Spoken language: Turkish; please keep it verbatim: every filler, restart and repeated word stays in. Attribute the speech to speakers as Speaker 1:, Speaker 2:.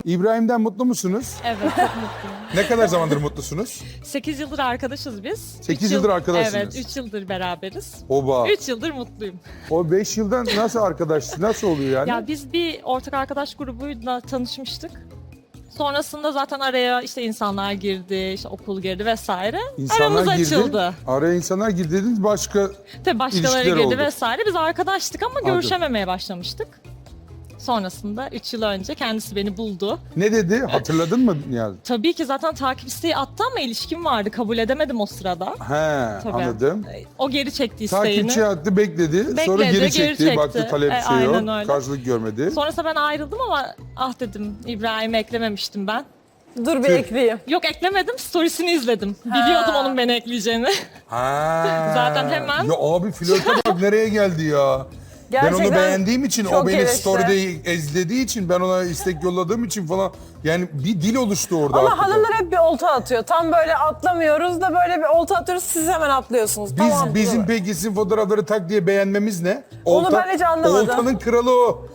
Speaker 1: İbrahim'den mutlu musunuz?
Speaker 2: Evet, çok mutluyum.
Speaker 1: Ne kadar zamandır mutlusunuz?
Speaker 2: sekiz yıldır arkadaşız biz.
Speaker 1: Sekiz
Speaker 2: Üç
Speaker 1: yıldır
Speaker 2: yıl-
Speaker 1: arkadaşsınız.
Speaker 2: Evet, üç yıldır beraberiz.
Speaker 1: Oba.
Speaker 2: üç yıldır mutluyum.
Speaker 1: O beş yıldan nasıl arkadaş, nasıl oluyor yani?
Speaker 2: Ya biz bir ortak arkadaş grubuyla tanışmıştık. Sonrasında zaten araya işte insanlar girdi, işte okul girdi vesaire.
Speaker 1: İnsanlar
Speaker 2: Aramız
Speaker 1: girdi.
Speaker 2: açıldı.
Speaker 1: Araya insanlar girdi dediniz, başka
Speaker 2: Tabii başkaları
Speaker 1: İlişkiler
Speaker 2: girdi
Speaker 1: oldu.
Speaker 2: vesaire. Biz arkadaştık ama
Speaker 1: Anladım.
Speaker 2: görüşememeye başlamıştık. Sonrasında üç yıl önce kendisi beni buldu.
Speaker 1: ne dedi? Hatırladın mı Niyazi?
Speaker 2: Tabii ki zaten takip isteği attı ama ilişkim vardı. Kabul edemedim o sırada.
Speaker 1: He,
Speaker 2: Tabii.
Speaker 1: anladım.
Speaker 2: O geri çekti isteğini.
Speaker 1: Takipçi attı, bekledi. Sonra
Speaker 2: Bekledi,
Speaker 1: geri
Speaker 2: geri
Speaker 1: çekti.
Speaker 2: çekti.
Speaker 1: Baktı talep
Speaker 2: E,
Speaker 1: şey yok.
Speaker 2: aynen öyle.
Speaker 1: Karşılık görmedi.
Speaker 2: Sonrasında ben ayrıldım ama ah dedim İbrahim'i eklememiştim ben.
Speaker 3: Dur bir
Speaker 1: Tüh.
Speaker 3: ekleyeyim.
Speaker 2: Yok eklemedim, storiesini izledim. Biliyordum onun beni ekleyeceğini.
Speaker 1: Ha.
Speaker 2: Zaten hemen-
Speaker 1: Ya abi flörte bak nereye geldi ya. Ben
Speaker 3: Gerçekten
Speaker 1: onu beğendiğim için, o
Speaker 3: çok
Speaker 1: beni
Speaker 3: hevesli.
Speaker 1: story'de izlediği için, ben ona istek yolladığım için falan. Yani bir dil oluştu orada.
Speaker 3: Ama
Speaker 1: hakikaten.
Speaker 3: hanımlar hep bir olta atıyor. Tam böyle atlamıyoruz da böyle bir olta atıyoruz, siz hemen atlıyorsunuz.
Speaker 1: Biz,
Speaker 3: Tamam,
Speaker 1: bizim
Speaker 3: dur.
Speaker 1: peki sizin fotoğrafları tak diye beğenmemiz ne?
Speaker 3: Onu ben hiç anlamadım.
Speaker 1: Oltanın kralı o.